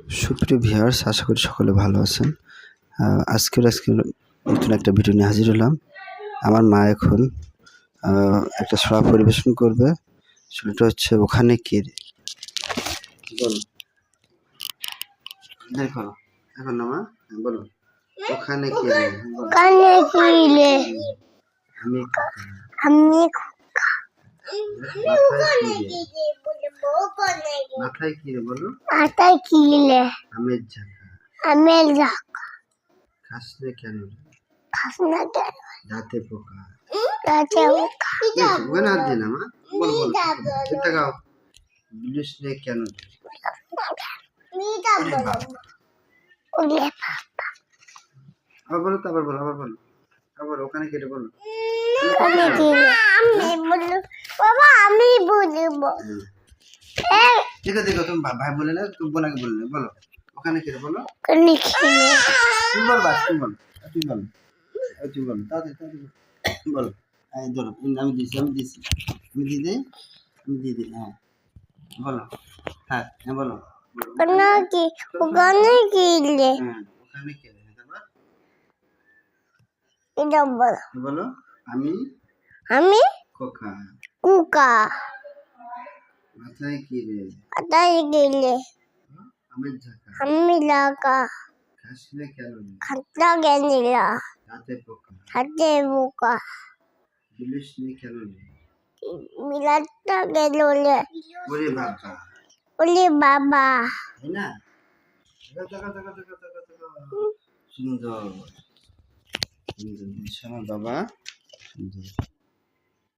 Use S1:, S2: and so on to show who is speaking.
S1: সুপ্রিয় ভিউয়ার্স, আশা করি সকলে ভালো আছেন। আজকের নতুন একটা ভিডিও নিয়ে হাজির হলাম। আমার মা এখন একটা ছড়া পরিবেশন করবে। সেটা হচ্ছে ওখানে কে রে। বলো, দেখো এখন না মা, বলো ওখানে কে রে।
S2: ওখানে কি রে?
S1: আমি
S2: আমি
S1: মাথায় কি রে বলো।
S2: মাথায় কি রে?
S1: আমের ঝাঁকা।
S2: আমের ঝাঁকা।
S1: খাস না কেন রে?
S2: খাস না কেন?
S1: দাঁতে পোকা।
S2: দাঁতে পোকা।
S1: ওখানে হাত দিই না মা, বলো বলো এটা গাও। বিলিস নে কেন রে?
S2: ওরে
S1: আবার বলো তো, আবার বলো, আবার ওখানে কেটে বলো।
S2: ওখানে কি রে? আমি বলবো বাবা, আমি বলবো।
S1: দেখো দেখো, তুমি ভাই বলে না, তুমি বোনাকে বললে, বলো ওখানে কেটে বলো।
S2: ওখানে কি রে?
S1: তুমি বলবা, তুমি বলো তাড়াতাড়ি বলো। এই ধরো, আমি দিছি আমি দিয়ে দিই হ্যাঁ বলো। হ্যাঁ বলো
S2: ওখানে কি? ওখানে কি রে?
S1: হ্যাঁ ওখানে কেটে তারপর
S2: এটা বলো।
S1: বলো আমি
S2: আমি
S1: খোকা।
S2: কুকা।
S1: মাথায় কি রে?
S2: মাথায় কি রে?
S1: আমের ঝাঁকা।
S2: আমি লাগা।
S1: খাস না কেন রে?
S2: খাতা গেনিলা।
S1: দাঁতে পোকা।
S2: হাতে বোকা।
S1: বিলিস নে কেন রে?
S2: মিলাটা গেল রে।
S1: ওরে বাবা,
S2: ওরে বাবা।
S1: তাই না? সুন্দর সুন্দর, আমার বাবা সুন্দর।